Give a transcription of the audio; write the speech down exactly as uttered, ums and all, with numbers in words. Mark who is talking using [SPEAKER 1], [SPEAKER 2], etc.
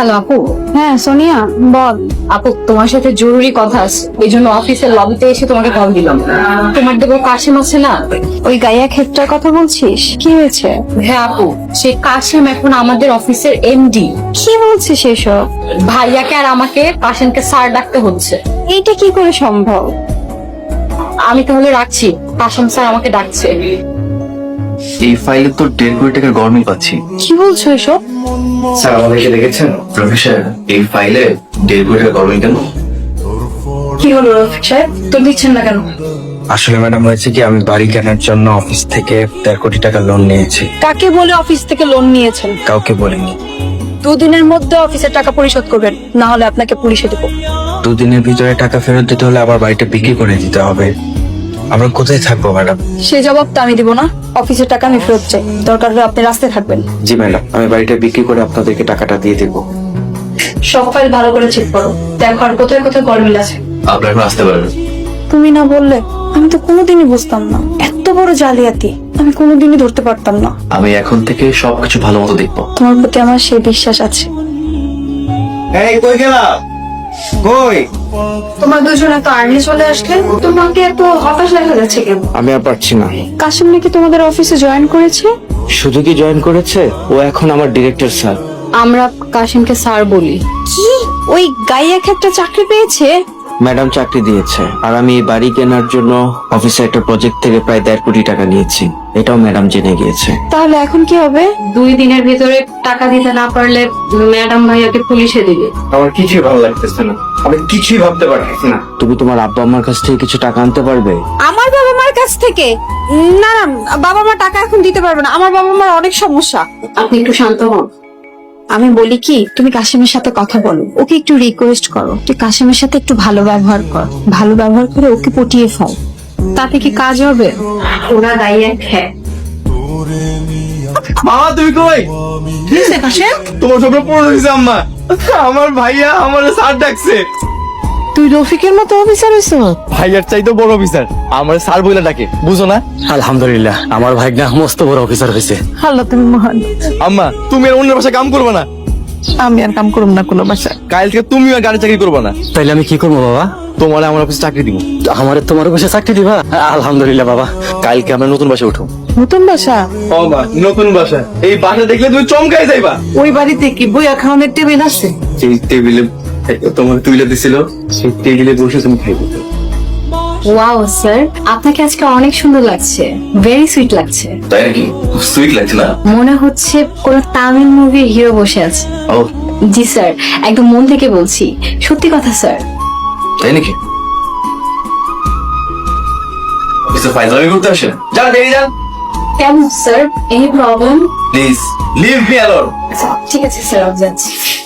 [SPEAKER 1] Hello আপু।
[SPEAKER 2] হ্যাঁ সোনিয়া বল।
[SPEAKER 1] আপু তোমার সাথে জরুরি কথা আছে, এই জন্য অফিসের লবিতে এসে তোমাকে কল দিলাম। তোমার দেবো কাশিম আছে না,
[SPEAKER 2] ওই গাইয়া ক্ষেত্রের কথা বলছিস? কি হয়েছে?
[SPEAKER 1] হ্যাঁ আপু, সেই কাশিম এখন আমাদের অফিসের এমডি।
[SPEAKER 2] কি বলছিস এসব?
[SPEAKER 1] ভাইয়াকে আর আমাকে কাশিমকে স্যার ডাকতে হচ্ছে।
[SPEAKER 2] এইটা কি করে সম্ভব?
[SPEAKER 1] আমি তাহলে রাখছি, কাশিম স্যার আমাকে ডাকছে।
[SPEAKER 3] এই ফাইলে তো দেড় কোটি টাকার গরমিল পাচ্ছি।
[SPEAKER 2] কি বলছো এসব?
[SPEAKER 3] স্যার আমাদেরকে দেখেছেন? প্রফেসর, এই ফাইলে দেড় কোটি টাকার গরমিল কেন?
[SPEAKER 2] কি হলো রফিক সাহেব, তো দিচ্ছেন না কেন?
[SPEAKER 4] আসলে ম্যাডাম হয়েছে কি, আমি বাড়ি কেনার জন্য অফিস থেকে দেড় কোটি টাকা লোন নিয়েছি।
[SPEAKER 2] কাকে বলে অফিস থেকে লোন নিয়েছেন?
[SPEAKER 4] কাউকে বলিনি।
[SPEAKER 2] দুদিনের মধ্যে অফিসের টাকা পরিশোধ করবেন, না হলে আপনাকে পুলিশে দেবো।
[SPEAKER 4] দুদিনের ভিতরে টাকা ফেরত দিতে হলে আবার বাড়িটা বিক্রি করে দিতে হবে। আমরা কোথায় থাকবো ম্যাডাম?
[SPEAKER 2] সে জবাব তো আমি দিব না। অফিসের টাকা আমি ফেরত চাই, দরকার হলে আপনি রাস্তায় থাকবেন।
[SPEAKER 4] জি ম্যাডাম, আমি বাড়িটা বিক্রি করে আপনাদেরকে টাকাটা দিয়ে দেবো।
[SPEAKER 2] সব ফাইল ভালো করে চেক করো, দেখো আর কোথায় কোথায় গরমিল আছে।
[SPEAKER 3] আপনার এখন আসতে পারবেন।
[SPEAKER 2] তুমি না বললে আমি তো কোনোদিনই বুঝতাম না, এত বড় জালিয়াতি আমি কোনোদিনই ধরতে পারতাম না।
[SPEAKER 3] আমি এখন থেকে সবকিছু ভালো মতো দেখবো।
[SPEAKER 2] তোমার প্রতি আমার সেই বিশ্বাস আছে।
[SPEAKER 4] এই কই গেলা? কই?
[SPEAKER 2] তোমার দুজনে তো আর্লি চলে আসলে, তোমাকে এত হতাশ দেখা যাচ্ছে কেন?
[SPEAKER 4] আমি আর পারছি না।
[SPEAKER 2] কাশিম নাকি তোমাদের অফিসে জয়েন করেছে?
[SPEAKER 4] শুধু কি জয়েন করেছে, ও এখন আমার ডিরেক্টর স্যার।
[SPEAKER 1] আমরা কাশিমকে স্যার বলি।
[SPEAKER 2] কি ওই গাইয়া একটা চাকরি পেয়েছে?
[SPEAKER 4] ম্যাডাম চাকরি দিয়েছে, আর আমি এই বাড়ি কেনার জন্য অফিসে একটা প্রজেক্ট থেকে প্রায় দেড় কোটি টাকা নিয়েছি, এটাও ম্যাডাম জেনে গিয়েছে।
[SPEAKER 2] তাহলে এখন কি হবে?
[SPEAKER 1] দুই দিনের ভিতরে টাকা দিতে না পারলে ম্যাডাম ভাইয়াকে পুলিশে দিবে।
[SPEAKER 4] আমার কিছুই ভালো লাগতেছে না, আমি কিছুই ভাবতে পারতেছি না। তুমি তোমার আব্বা আম্মার কাছ থেকে কিছু টাকা আনতে পারবে?
[SPEAKER 2] আমার বাবা মার কাছ থেকে? না না, বাবা মা টাকা এখন দিতে পারবে না, আমার বাবা মার অনেক সমস্যা।
[SPEAKER 1] আপনি একটু শান্ত হন।
[SPEAKER 2] আমি বলি কি, তুমি কাশিমের সাথে কথা বলো, ওকে একটু রিকোয়েস্ট করো, তুই কাশিমের সাথে একটু ভালো ব্যবহার কর, ভালো ব্যবহার করে ওকে পটিয়ে ফেল।
[SPEAKER 1] তাতে কি কাজ হবে? ওরা গাইয়া খেয়ে।
[SPEAKER 5] মামা তুমি কই? তোমার স্বপ্ন পূরণ হয়েছে আম্মা। আমার ভাইয়া আমার স্যার ডাকছে।
[SPEAKER 2] তুই রফিকের মতো অফিসার হইছ?
[SPEAKER 5] ভাইয়ার চাইতো বড় অফিসার, আমার স্যার বইলা ডাকে, বুঝো না?
[SPEAKER 4] আলহামদুলিল্লাহ, আমার ভাইগনা মস্ত বড় অফিসার হয়েছে।
[SPEAKER 2] আল্লাহ তুমি মহান।
[SPEAKER 5] আম্মা তুমি আর অন্যের বাসায় কাম করবে না।
[SPEAKER 2] আমি আর কাম করব না কোনো বাসা।
[SPEAKER 5] কাল থেকে তুমি আর গাড়ি চাকরি করবে না।
[SPEAKER 4] তাইলে আমি কি করবো বাবা?
[SPEAKER 5] তোমার আমার অফিসে চাকরি দিব।
[SPEAKER 4] আমার তোমার বসে চাকরি দিবা? আলহামদুলিল্লাহ বাবা,
[SPEAKER 5] কালকে আমরা নতুন বাসায় উঠো।
[SPEAKER 2] নতুন বাসা?
[SPEAKER 5] ও মা, নতুন বাসা। এই বাসা দেখলে তুমি চমকাই যাইবা।
[SPEAKER 2] ওই বাড়িতে কি বইয়া খাওয়ানোর টেবিল আছে?
[SPEAKER 5] সেই টেবিলে তোমার তুইলা দিছিল, সেই টেবিলে বসে তুমি খাইবে।
[SPEAKER 1] ওয়াও স্যার, আপনাকে আজকে অনেক সুন্দর লাগছে, ভেরি সুইট লাগছে।
[SPEAKER 3] তাই নাকি? সুইট লাগছে না?
[SPEAKER 1] মনে হচ্ছে কোন তামিল মুভির হিরো বসে আছে।
[SPEAKER 3] ও
[SPEAKER 1] জি স্যার, একদম মন থেকে বলছি, সত্যি কথা স্যার।
[SPEAKER 3] তাই নাকি? অফিসে ফাইজলামি করতে আসে? যান বেরিয়ে যান
[SPEAKER 1] কেন sir, any problem?
[SPEAKER 3] Please leave me alone.
[SPEAKER 1] ঠিক আছে স্যার, আমি যাচ্ছি।